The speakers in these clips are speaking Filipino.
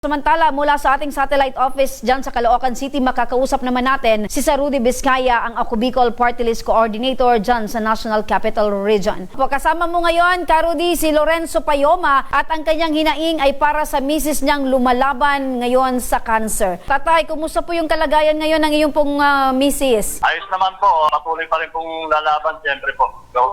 Samantala, mula sa ating satellite office dyan sa Caloocan City, makakausap naman natin si Sir Rudy Vizcaya, ang Ako Bicol Party List Coordinator dyan sa National Capital Region. Kasama mo ngayon, Rudy, si Lorenzo Payoma at ang kanyang hinaing ay para sa misis niyang lumalaban ngayon sa cancer. Tatay, kumusta po yung kalagayan ngayon ng iyong pong misis? Ayos naman po, patuloy pa rin pong lalaban siyempre po.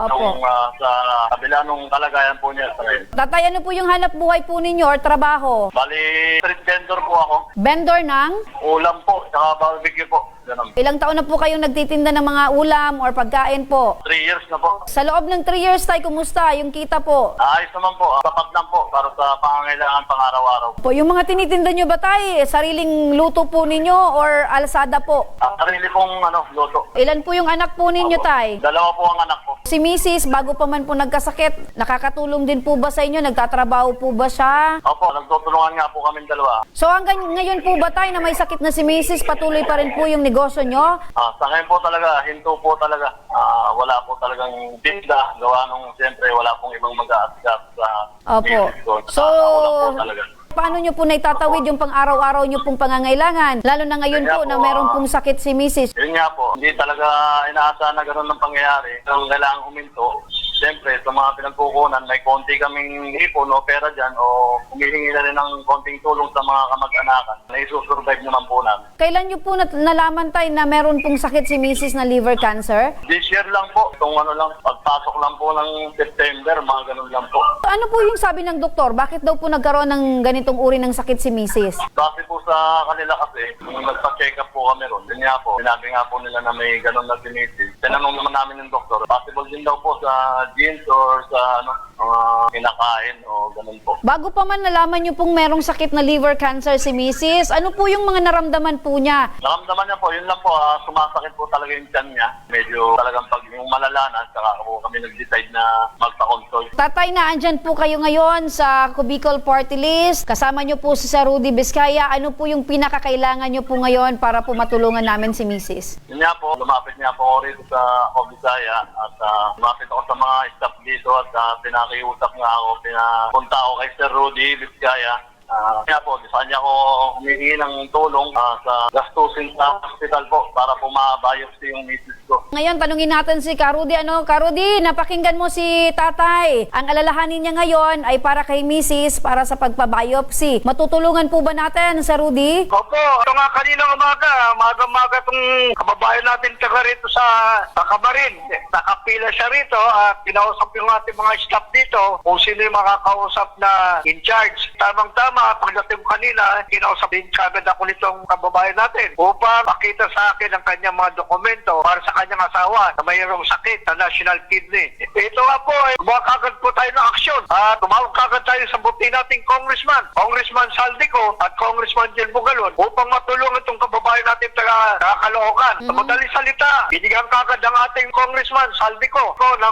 Sa kabila nung kalagayan po niya. Tatay, ano po yung hanap buhay po ninyo or trabaho? Bali, street vendor po ako. Vendor ng? Ulam po, saka barbecue po. Ganun. Ilang taon na po kayong nagtitinda ng mga ulam or pagkain po? 3 years na po. Sa loob ng 3 years, tay, kumusta yung kita po? Ayos naman po, sapat lang po para sa pangangailangan pang-araw-araw. Po, yung mga tinitinda nyo ba, tay, sariling luto po ninyo or alsada po? Sarili pong luto. Ilan po yung anak po ninyo, tay? 2 po ang anak ko. Si Mrs., bago pa man po nagkasakit, nakakatulong din po ba sa inyo? Nagtatrabaho po ba siya? Opo, nagtutulungan nga po kami dalawa. So hanggang ngayon po ba, tay, na may sakit na si Mrs., patuloy pa rin po yung negosyo nyo? Sa ngayon po talaga, hinto po talaga. Wala po talagang tinda. Gawa nung siyempre wala pong ibang mag-aasikat sa Opo. So, wala po talaga. paano nyo po naitatawid yung pang-araw-araw nyo pong pangangailangan? Lalo na ngayon po na meron pong sakit si Mrs. Yun nga po, hindi talaga inaasahan na gano'n ng pangyayari. Kung kailangan huminto, siyempre sa mga pinagkukunan, may konti kaming ipon o pera dyan o humihingi na rin ng konting tulong sa mga kamag-anakan na isusurvive naman po namin. Kailan nyo po nalaman, tay, na meron pong sakit si Mrs. na liver cancer? This year lang po, itong pagpasok lang po ng September, mga ganun lang po. Ano po yung sabi ng doktor? Bakit daw po nagkaroon ng ganitong uri ng sakit si Mrs.? Kasi po sa kanila kasi, nung nagpa-check up po kami ron, yun nga po, sinabi nga po nila na may ganun na sinisis. Tinanong naman namin ng doktor, possible din daw po sa jeans or sa mga kinakain o ganun po. Bago pa man nalaman nyo pong merong sakit na liver cancer si Mrs., ano po yung mga naramdaman po niya? Naramdaman niya po, yun lang po, sumasakit po talaga yung tiyan niya. Medyo talagang pag yung malalanan, saka po kami nag-decide na magpa-consult. Tatay, na andyan po kayo ngayon sa Ako Bicol Party List. Kasama nyo po si Sir Rudy Vizcaya. Ano po yung pinakakailangan nyo po ngayon para po matulungan namin si Mrs.? Yun nga po, lumapit niya po ako rito sa Ako Bisaya at lumapit ako sa mga staff dito at pinakiusap nga ako, pinapunta ako kay Sir Rudy Vizcaya. Kaya po, sa kanya ko humihingi ng tulong sa gastusin sa hospital po para po ma-biopsy yung misis ko. Ngayon, tanungin natin si Rudy. Rudy, napakinggan mo si tatay. Ang alalahanin niya ngayon ay para kay Mrs. para sa pagpa-biopsy. Matutulungan po ba natin, Sir Rudy? Opo, ito nga kaninang umaga itong kababayan natin taga rito sa Cabarin. Nakapila siya rito at kinausap yung ating mga staff dito kung sino yung makakausap na in charge. Tamang-tama, pagdating kanina, kinausap din kagad ako nitong kababayan natin upang makita sa akin ang kanyang mga dokumento para sa kanyang asawa na mayroong sakit na national kidney. Ito nga po, gumawa kagad po tayo ng aksyon at tumawag kagad tayo sa buti nating Congressman Saldico at Congressman Jill Bugalon upang matulungan itong kababayan natin taga Caloocan. Sa madaling salita, binigyan kagad ang ating Congressman Saldico ng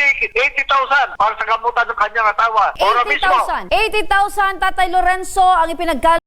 80,000 para sa gamutan ng kanyang asawa. 80,000. 80,000, Tatay Lorenzo, ang ipinagkal